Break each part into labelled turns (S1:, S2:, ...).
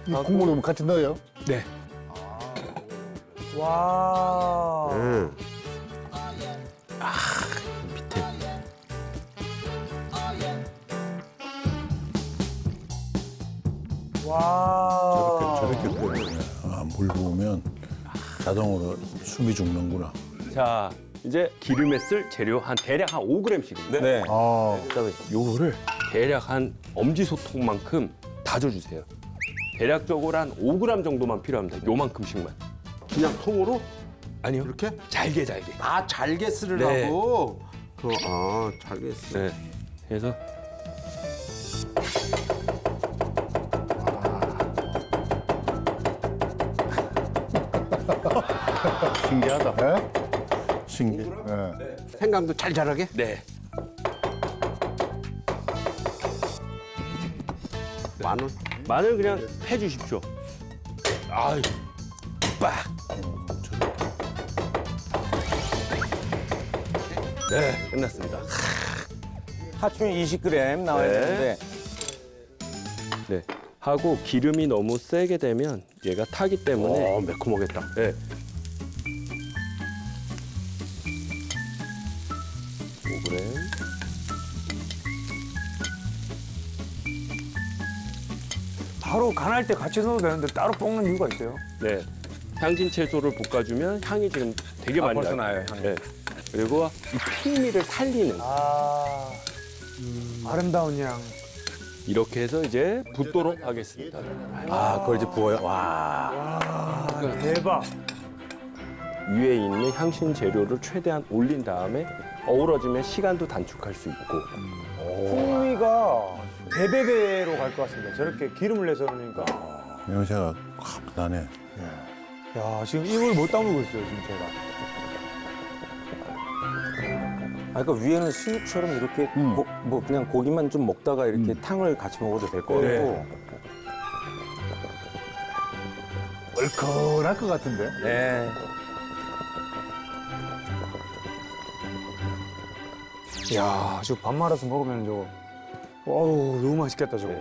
S1: 이 국물을 같이 넣어요?
S2: 네.
S3: 와.
S2: 밑에.
S3: 와.
S1: 저렇게 끓여야 물 부으면 자동으로 숨이 죽는구나.
S2: 자, 이제 기름에 쓸 재료 대략 한 5g씩입니다.
S4: 네.
S1: 아,
S2: 그다음에 요거를 대략 한 엄지소통만큼 다져주세요. 대략적으로 한 5g 정도만 필요합니다. 요만큼씩만. 그냥 통으로? 아니요.
S4: 이렇게?
S2: 잘게.
S4: 아, 잘게 쓰려고? 잘게 쓰.
S2: 네. 그래서
S1: 신기하다. 예? 신기해. 예.
S4: 생강도 잘 자라게?
S2: 네.
S4: 마늘?
S2: 마늘 그냥 해주십시오. 아유, 빡. 네, 끝났습니다.
S5: 하추는 20g 나와야
S2: 네.
S5: 되는데
S2: 네. 하고 기름이 너무 세게 되면 얘가 타기 때문에
S4: 매콤하겠다.
S2: 네. 5g.
S3: 바로 간할 때 같이 넣어도 되는데 따로 볶는 이유가 있어요?
S2: 네. 향진 채소를 볶아주면 향이 지금 되게 많이
S5: 벌써
S2: 나요.
S5: 나요, 향이.
S2: 네. 그리고 이 풍미를 살리는
S3: 아. 아름다운 향.
S2: 이렇게 해서 이제 붓도록 하겠습니다.
S5: 아 그걸 이제 부어요. 와.
S3: 아, 대박.
S2: 위에 있는 향신 재료를 최대한 올린 다음에 어우러지면 시간도 단축할 수 있고
S3: 풍미가 배배배로 갈 것 같습니다. 저렇게 기름을 내서 그러니까.
S1: 냄새가 확 나네.
S3: 야, 지금 입을 못 다물고 있어요, 지금 제가.
S5: 아 그러니까 위에는 수육처럼 이렇게 뭐 그냥 고기만 좀 먹다가 이렇게 탕을 같이 먹어도 될 것 같고.
S1: 얼큰할 것 같은데?
S5: 네.
S3: 야, 저거 밥 말아서 먹으면 저거. 어우, 너무 맛있겠다, 저거.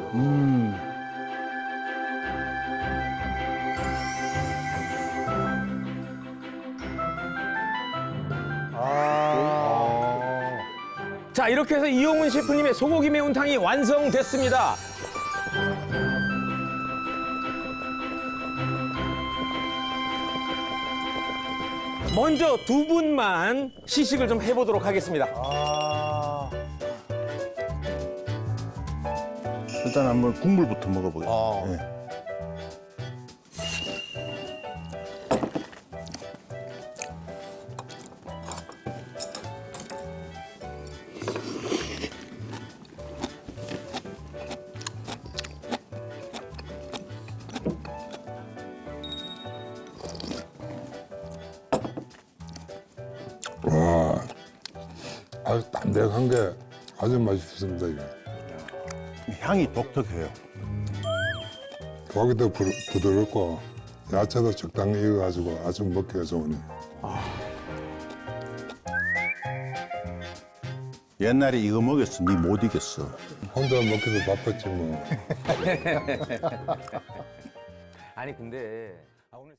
S5: 자 이렇게 해서 이용훈 셰프님의 소고기 매운탕이 완성됐습니다. 먼저 두 분만 시식을 좀 해보도록 하겠습니다.
S3: 아.
S1: 일단 한번 국물부터 먹어보겠습니다. 예.
S6: 아주 담백한 게 아주 맛있습니다, 이게.
S1: 향이 독특해요.
S6: 고기도 부드럽고 야채도 적당히 익어가지고 아주 먹기가 좋으네.
S1: 옛날에 이거 먹였으면 니 못 이겼어.
S6: 혼자 먹기도 바빴지 뭐.
S5: 아니 근데